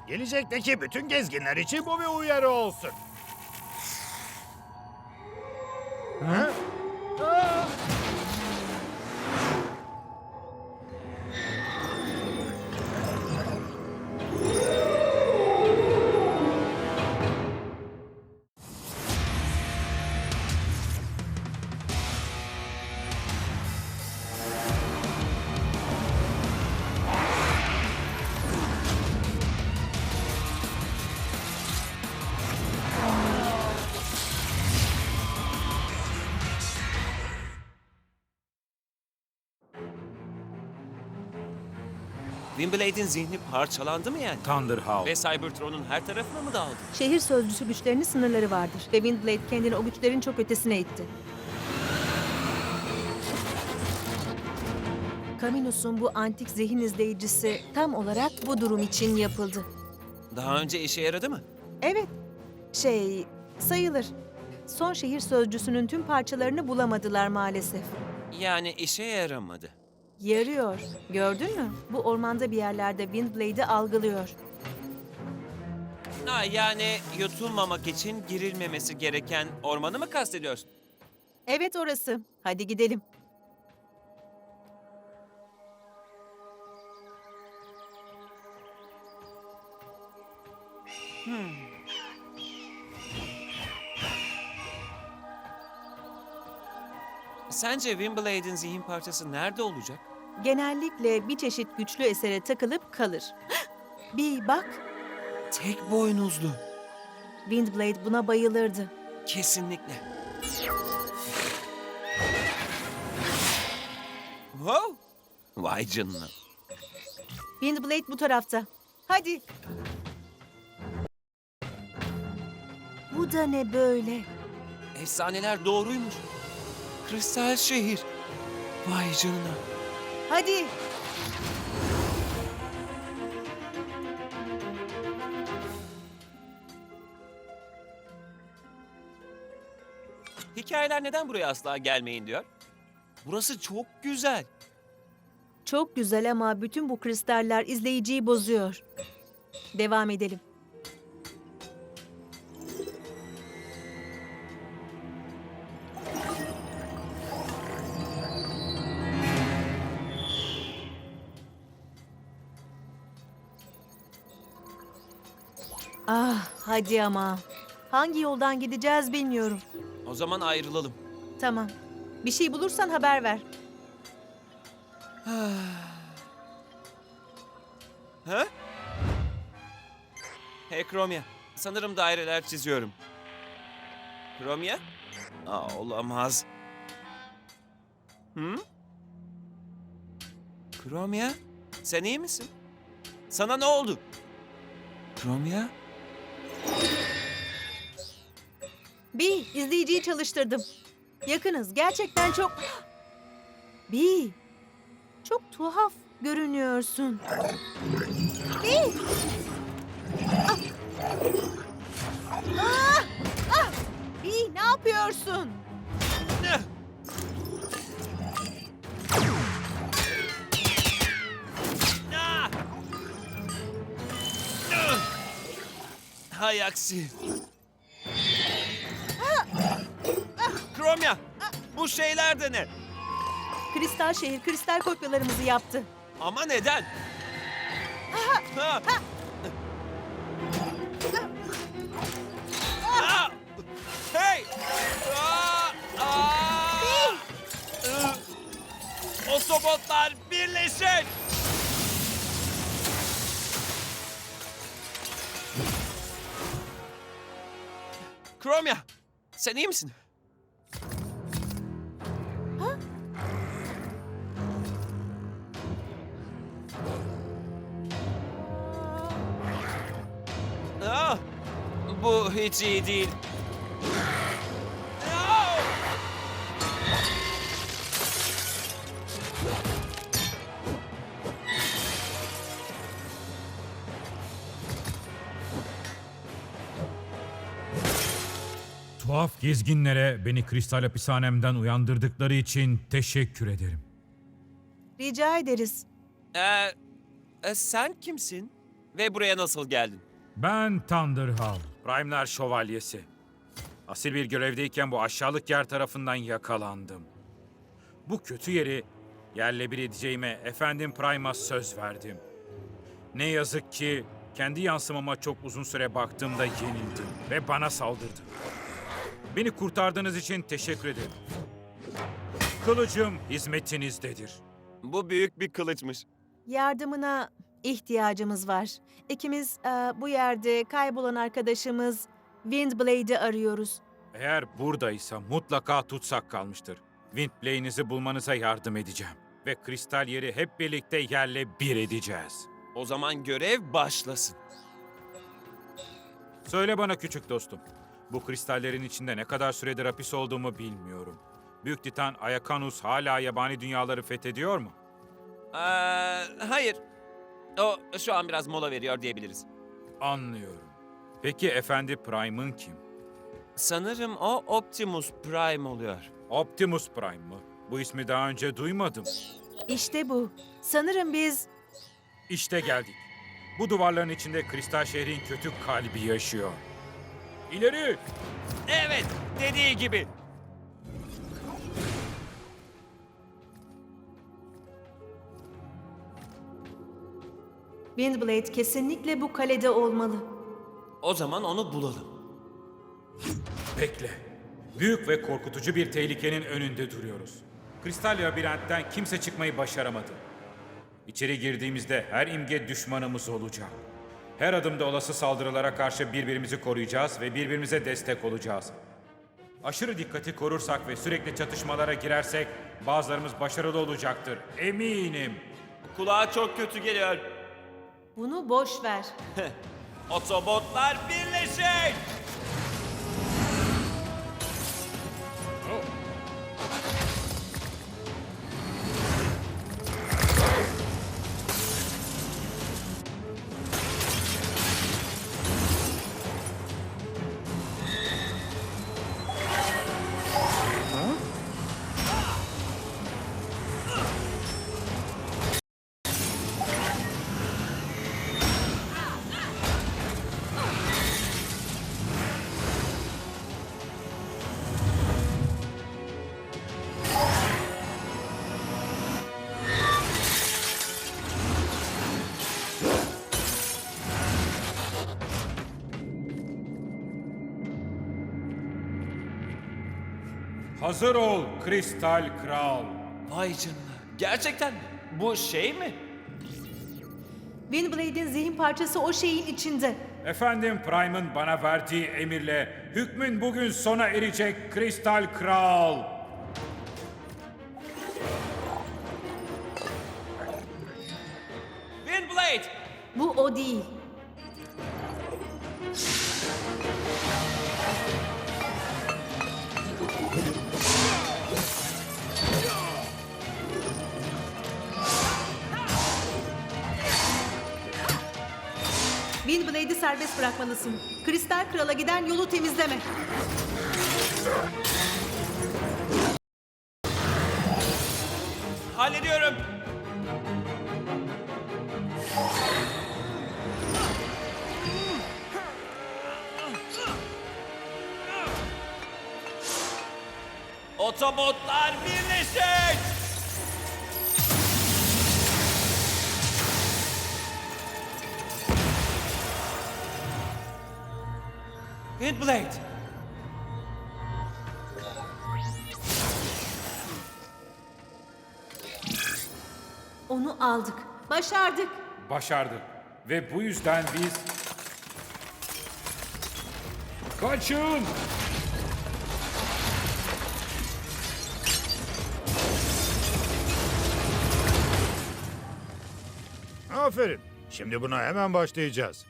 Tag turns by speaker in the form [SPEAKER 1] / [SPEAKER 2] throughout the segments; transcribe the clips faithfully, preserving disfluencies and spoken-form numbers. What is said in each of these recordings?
[SPEAKER 1] Gelecekteki bütün gezginler için bu bir uyarı olsun. Ha? Aa!
[SPEAKER 2] Windblade'in zihni parçalandı mı yani?
[SPEAKER 3] Thunderhowl.
[SPEAKER 2] Ve Cybertron'un her tarafına mı dağıldı?
[SPEAKER 4] Şehir sözcüsü güçlerinin sınırları vardır ve Windblade kendini o güçlerin çok ötesine itti. Caminus'un bu antik zihin izleyicisi tam olarak bu durum için yapıldı.
[SPEAKER 2] Daha önce işe yaradı mı?
[SPEAKER 4] Evet, şey sayılır. Son şehir sözcüsünün tüm parçalarını bulamadılar maalesef.
[SPEAKER 2] Yani işe yaramadı.
[SPEAKER 4] Yarıyor. Gördün mü? Bu ormanda bir yerlerde Windblade'i algılıyor.
[SPEAKER 2] Ha, yani yutulmamak için girilmemesi gereken ormanı mı kastediyorsun?
[SPEAKER 4] Evet orası. Hadi gidelim.
[SPEAKER 2] Sence Windblade'in zihin parçası nerede olacak?
[SPEAKER 4] Genellikle bir çeşit güçlü esere takılıp kalır. Bir bak,
[SPEAKER 2] Tek boynuzlu.
[SPEAKER 4] Windblade buna bayılırdı.
[SPEAKER 2] Kesinlikle. Wow! Vay canına.
[SPEAKER 4] Windblade bu tarafta. Hadi. Bu da ne böyle?
[SPEAKER 2] Efsaneler doğruymuş. Kristal şehir. Vay canına.
[SPEAKER 4] Hadi.
[SPEAKER 2] Hikayeler neden buraya asla gelmeyin diyor? Burası çok güzel.
[SPEAKER 4] Çok güzel ama bütün bu kristaller izleyiciyi bozuyor. Devam edelim. Ah, hadi ama. Hangi yoldan gideceğiz bilmiyorum.
[SPEAKER 2] O zaman ayrılalım.
[SPEAKER 4] Tamam. Bir şey bulursan haber ver.
[SPEAKER 2] Ha? Hey Chromia, sanırım daireler çiziyorum. Chromia? Aa, olamaz. Hı? Chromia, sen iyi misin? Sana ne oldu? Chromia?
[SPEAKER 4] Bir, izleyiciyi çalıştırdım. Yakınız. Gerçekten çok... Bir, çok tuhaf görünüyorsun. Bir. Ah! Ah! Ah! Bir, ne yapıyorsun?
[SPEAKER 2] Ne? Ah! Ah! Hay aksi. Chromia, bu şeyler de ne?
[SPEAKER 4] Kristal şehir, kristal kopyalarımızı yaptı.
[SPEAKER 2] Ama neden? Ha! Aa! Hey! Aa! Aa! Iı! Otobotlar birleşin! Chromia, sen iyi misin? Aa, bu hiç iyi değil. Aa!
[SPEAKER 3] Tuhaf gezginlere beni kristal hapishanemden uyandırdıkları için teşekkür ederim.
[SPEAKER 4] Rica ederiz.
[SPEAKER 2] Ee, e, sen kimsin? Ve buraya nasıl geldin?
[SPEAKER 3] Ben Thunderhawk, Prime'lar Şövalyesi. Asil bir görevdeyken bu aşağılık yer tarafından yakalandım. Bu kötü yeri yerle bir edeceğime efendim Prime'a söz verdim. Ne yazık ki kendi yansımama çok uzun süre baktığımda yenildim ve bana saldırdı. Beni kurtardığınız için teşekkür ederim. Kılıcım hizmetinizdedir.
[SPEAKER 2] Bu büyük bir kılıçmış.
[SPEAKER 4] Yardımına ihtiyacımız var. İkimiz e, bu yerde kaybolan arkadaşımız Windblade'i arıyoruz.
[SPEAKER 3] Eğer buradaysa mutlaka tutsak kalmıştır. Windblade'inizi bulmanıza yardım edeceğim. Ve kristal yeri hep birlikte yerle bir edeceğiz.
[SPEAKER 2] O zaman görev başlasın.
[SPEAKER 3] Söyle bana küçük dostum. Bu kristallerin içinde ne kadar süredir hapis olduğumu bilmiyorum. Büyük Titan Ayakanus hala yabani dünyaları fethediyor mu?
[SPEAKER 2] Ee, hayır. O şu an biraz mola veriyor diyebiliriz.
[SPEAKER 3] Anlıyorum. Peki Efendi Prime'ın kim?
[SPEAKER 2] Sanırım o Optimus Prime oluyor.
[SPEAKER 3] Optimus Prime mı? Bu ismi daha önce duymadım.
[SPEAKER 4] İşte bu. Sanırım biz
[SPEAKER 3] İşte geldik. Bu duvarların içinde kristal şehrin kötü kalbi yaşıyor. İleri!
[SPEAKER 2] Evet, dediği gibi.
[SPEAKER 4] Windblade kesinlikle bu kalede olmalı.
[SPEAKER 2] O zaman onu bulalım.
[SPEAKER 3] Bekle. Büyük ve korkutucu bir tehlikenin önünde duruyoruz. Kristal labirentten kimse çıkmayı başaramadı. İçeri girdiğimizde her imge düşmanımız olacak. Her adımda olası saldırılara karşı birbirimizi koruyacağız ve birbirimize destek olacağız. Aşırı dikkati korursak ve sürekli çatışmalara girersek bazılarımız başarılı olacaktır. Eminim.
[SPEAKER 2] Kulağa çok kötü geliyor.
[SPEAKER 4] Bunu boş ver.
[SPEAKER 2] Otobotlar birleşin!
[SPEAKER 3] Hazır ol Kristal Kral.
[SPEAKER 2] Vay canına. Gerçekten mi? Bu şey mi?
[SPEAKER 4] Windblade'in zihin parçası o şeyin içinde.
[SPEAKER 3] Efendim Prime'ın bana verdiği emirle hükmün bugün sona erecek Kristal Kral.
[SPEAKER 2] Windblade!
[SPEAKER 4] Bu o değil. Windblade'i serbest bırakmalısın. Kristal Kral'a giden yolu temizleme.
[SPEAKER 2] Hallediyorum. Otobotlar birleşin! Windblade!
[SPEAKER 4] Onu aldık. Başardık.
[SPEAKER 3] Başardık. Ve bu yüzden biz... Kaçın!
[SPEAKER 1] Aferin. Şimdi buna hemen başlayacağız.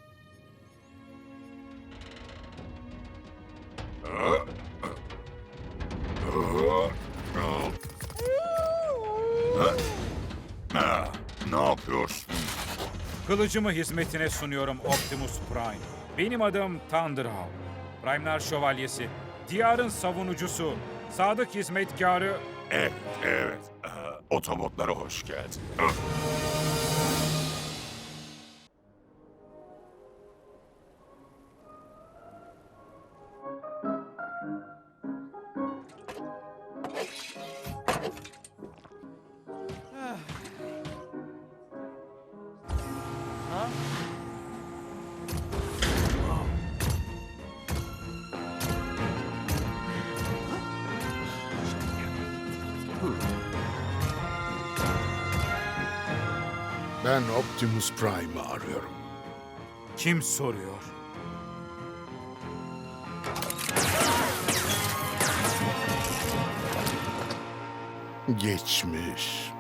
[SPEAKER 5] Ne yapıyorsun?
[SPEAKER 3] Kılıcımı hizmetine sunuyorum Optimus Prime. Benim adım Thunderhawk. Prime'lar Şövalyesi. Diyarın savunucusu. Sadık hizmetkarı.
[SPEAKER 5] Evet, evet. Ee, Otobotlara hoş geldin.
[SPEAKER 6] Ben Optimus Prime'ı arıyorum.
[SPEAKER 3] Kim soruyor?
[SPEAKER 6] Geçmiş.